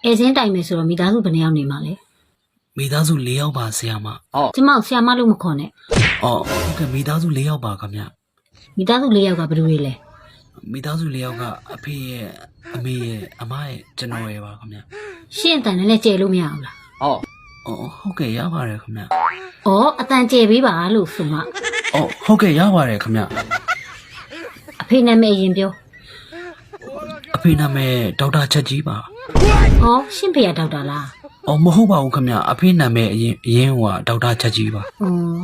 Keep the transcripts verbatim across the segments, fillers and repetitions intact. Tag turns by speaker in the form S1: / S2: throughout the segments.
S1: အဲစင်းတိုင်မယ်ဆိုတော့မိသားစုဘယ်နှယောက်နေမှာလဲ
S2: မိသားစု၄ယောက်ပါဆရာမ
S1: ကျမဆရာမလို့မခေါ်နဲ့
S2: အော်ဟုတ်ကဲ့မိသားစု၄ယောက်ပါခင်ဗျ
S1: မိသားစု၄ယောက်ကဘယ်လိုလဲ
S2: မိသားစု၄ယောက်ကအဖေရဲ့အမေရဲ့အမရဲ့ကျွန်တော်ရဲ့ပါခင်ဗျ
S1: ရှင့်အတန်နဲ့ကျဲလို့မရဘူးလား
S2: အော်အော်ဟုတ်ကဲ့ရပါတယ်ခင်ဗျ
S1: ဩအတန်ကျဲပေးပါလို့ဆိုမှ
S2: အော်ဟုတ်ကဲ့ရပါတယ်ခင်ဗျ
S1: အဖေနာမည်ရင်ပြော
S2: အဖေနာမည်ဒေါက်တာချက်ကြီးပါ
S1: ဩရှင့်ဖေရဒေါက်တာလား
S2: အော်မဟုတ်ပါဘူးခင်ဗျအဖေနာမည်အရင်အရင်ကဒေါက်တာချက်ကြီးပါ
S1: ဩ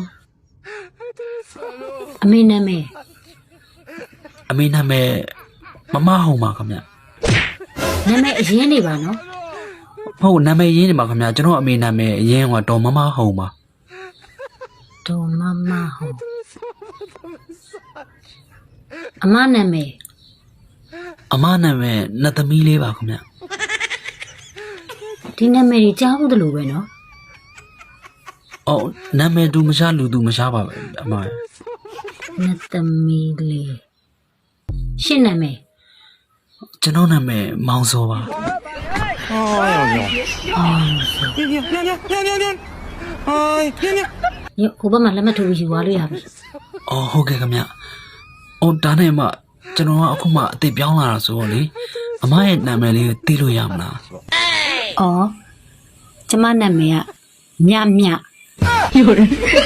S1: အမေနာမည်
S2: အမေနာမည်မမဟုံပါခင်ဗျ
S1: နာမည်အရင်နေပါနော်
S2: ဟုတ်နာမည်ရင်းနေပါခင်ဗျကျွန်တော်အမေနာမည်အရင်ကဒေါ်မမဟုံပါ
S1: ဒေါ်မမဟုံအမနာမည်
S2: အမနာမည်နှစ်သမီးလေးပါခင်ဗျ
S1: ဒီနာမည်ကြီးကြားဘူးတလို့ပဲနော်
S2: အော်နာမည်သူမရှားလူသူမရှားပါပဲအမ
S1: နှစ်သမီးလေးရှင့်နာမည်
S2: ကျွန်တော်နာမည်မောင်စောပါ
S3: 哎呀呀！哎，别别别别别别别！哎，别别！
S1: ညဟိုဘက်မှာလက်မှတ်ထိုးပြီးယူသွားလို့ရပြီ
S2: ။အော်ဟုတ်ကဲ့ခင်ဗျ။အော်ဒါနဲ့မှကျွန်တော်ကအခုမှအစ်ပြောင်းလာတာဆိုတော့လေအမရဲ့နာမည်လေးကိုသိလို့ရမလား
S1: ။အော်ကျမနာမည်ကမြမြယူတယ်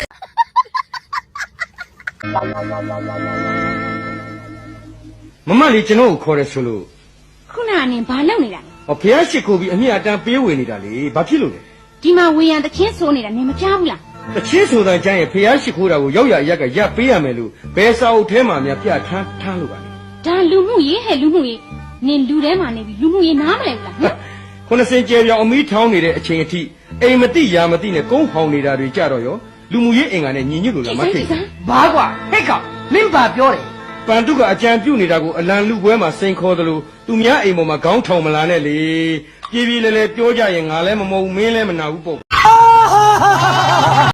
S3: မမလေးကျွန်တော်ကိုခေါ်တယ်ဆိုလို့
S4: ခုနကနေဘာလုပ်နေတာလဲ
S3: ဟောဖះရှိခိုးပြီးအမြတ်အတန်းပေးဝင်နေတာလေဘာဖြစ်လို့လဲ
S4: ဒီမှာဝေယံတချင်းဆိုးနေတာနေမပြဘူးလား
S3: တချင်းဆိုတာကျမ်းရဲ့ဖះရှိခိုးတာကိုရောက်ရရက်ကရပ်ပေးရမယ်လို့ဘယ်စာအုပ်ထဲမှာများပြထမ်းထားလို့ပါလဲ
S4: ဒါလူမှုရေးဟဲ့လူမှုရေးနင်လူထဲမှာနေပြီးလူမှုရေးနားမလဲဘူးလားဟမ်
S3: ခုနစင်ကျဲပြောင်အမီးထောင်းနေတဲ့အချိန်အထိအိမ်မတိရာမတိနဲ့ကုန်းဟောင်နေတာတွေကြတော့ရောလူမှုရေးအင်္ဂါနဲ့ညီညွတ်လို့လားမသိဘူး
S5: ဘာကွာဟဲ့ကောင်မင်းပါပြောတယ်
S3: ပန်တုကအကြံပြုတ်နေတာကိုအလံလူပွဲမှာစိန်ခေါ်သလိုသူများအိမ်ပေါ်မှာခေါင်းထောင်မလာနဲ့လေပြေးပြေးလဲလဲပြောကြရင်ငါလည်းမမဟုတ်မင်းလည်းမနာဘူးပေါ့